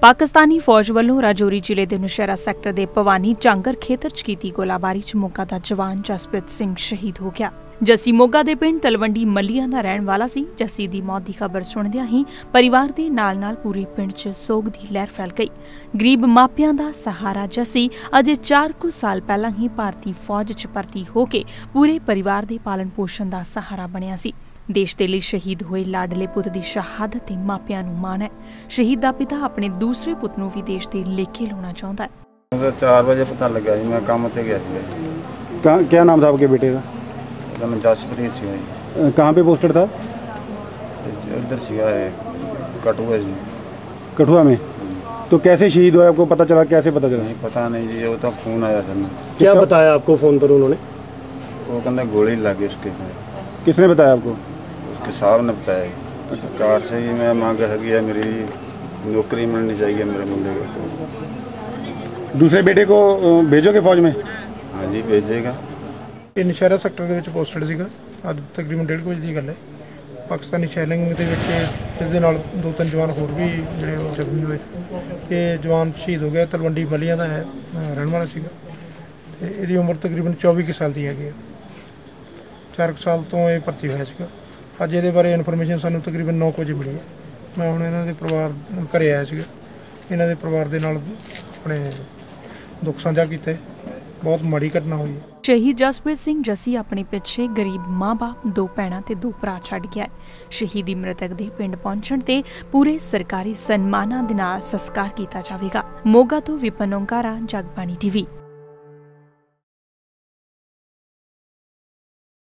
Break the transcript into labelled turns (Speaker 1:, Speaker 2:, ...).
Speaker 1: पाकिस्तानी फौज वालों राजौरी जिले के नौशहरा सैक्टर के भवानी झांगर खेतर च कीती गोलाबारी च मोगा का जवान जसप्रीत सिंह शहीद हो गया। जस्सी मोगा के पिंड तलवंडी मलिया का रहने वाला सी। जस्सी की मौत की खबर सुनदियां ही परिवार के नाल पूरे पिंड च सोग की लहर फैल गई। गरीब मापियां का सहारा जस्सी अजे 4 कुछ साल पहला ही भारतीय फौज च भर्ती होके पूरे परिवार के पालन पोषण का सहारा बनिया सी। देश के लिए शहीद हुए लाडले पुत की शहादत ते मापियां नूं माण है। शहीद का पिता अपने दूसरे पुत नूं भी देश के लेके लाना चाहता है।
Speaker 2: 4 बजे पता लगा जी, मैं काम पे गया था।
Speaker 3: क्या नाम था आपके बेटे का?
Speaker 2: मैं जसप्रीत सिंह।
Speaker 3: कहाँ पे पोस्टेड था?
Speaker 2: इधर सिया है कठुआ जी।
Speaker 3: कठुआ में? तो कैसे शहीद हुआ, आपको पता चला? कैसे पता चला?
Speaker 2: नहीं पता नहीं जी, वो तो फोन आया था।
Speaker 4: क्या बताया आपको फोन पर उन्होंने?
Speaker 2: वो कहते गोली लगी उसके।
Speaker 3: किसने बताया आपको?
Speaker 2: उसके साहब ने बताया। सरकार से ही मैं मांग है, मेरी नौकरी मिलनी चाहिए मेरे मुंडे को।
Speaker 3: दूसरे बेटे को भेजोगे फौज में?
Speaker 2: हाँ जी भेजेगा।
Speaker 5: ਇਹ ਨੌਸ਼ਹਿਰਾ ਸੈਕਟਰ ਦੇ ਵਿੱਚ ਪੋਸਟਡ ਸੀਗਾ। ਅੱਜ ਤਕਰੀਬਨ 1:30 ਵਜੇ ਦੀ ਗੱਲ ਹੈ। ਪਾਕਿਸਤਾਨੀ ਸ਼ੈਲਿੰਗ ਦੇ ਵਿੱਚ ਇਸ ਦੇ ਨਾਲ 2-3 ਜਵਾਨ ਹੋਰ ਵੀ ਜਿਹੜੇ ਉਹ ਜ਼ਖਮੀ ਹੋਏ। ਇਹ ਜਵਾਨ ਸ਼ਹੀਦ ਹੋ ਗਿਆ। ਤਲਵੰਡੀ ਮਲੀਆਂ ਦਾ ਹੈ, ਰਹਿਣ ਵਾਲਾ ਸੀਗਾ ਤੇ ਇਹਦੀ ਉਮਰ ਤਕਰੀਬਨ 24 ਕੁ ਸਾਲ ਦੀ ਹੈਗੀ ਹੈ। 4 ਸਾਲ ਤੋਂ ਇਹ ਭਰਤੀ ਹੋਇਆ ਸੀਗਾ। ਅੱਜ ਇਹਦੇ ਬਾਰੇ ਇਨਫੋਰਮੇਸ਼ਨ ਸਾਨੂੰ ਤਕਰੀਬਨ 9 ਵਜੇ ਮਿਲੀ ਹੈ। ਮੈਂ ਹੁਣ ਇਹਨਾਂ ਦੇ ਪਰਿਵਾਰ ਘਰੇ ਆਇਆ ਸੀਗਾ। ਇਹਨਾਂ ਦੇ ਪਰਿਵਾਰ ਦੇ ਨਾਲ ਆਪਣੇ ਦੁੱਖ ਸਾਂਝਾ ਕੀਤਾ। बहुत माड़ी घटना हुई है।
Speaker 1: शहीद जसप्रीत सिंह जस्सी अपने पिछे गरीब मां बाप 2 भैणां ते 2 भरा छड़ गया है। शहीदी मृतक दे पिंड पहुंचण ते पूरे सरकारी सन्मानां दे नाल संस्कार कीता जावेगा। मोगा तो विपिन ओंकारा, जगबानी टीवी।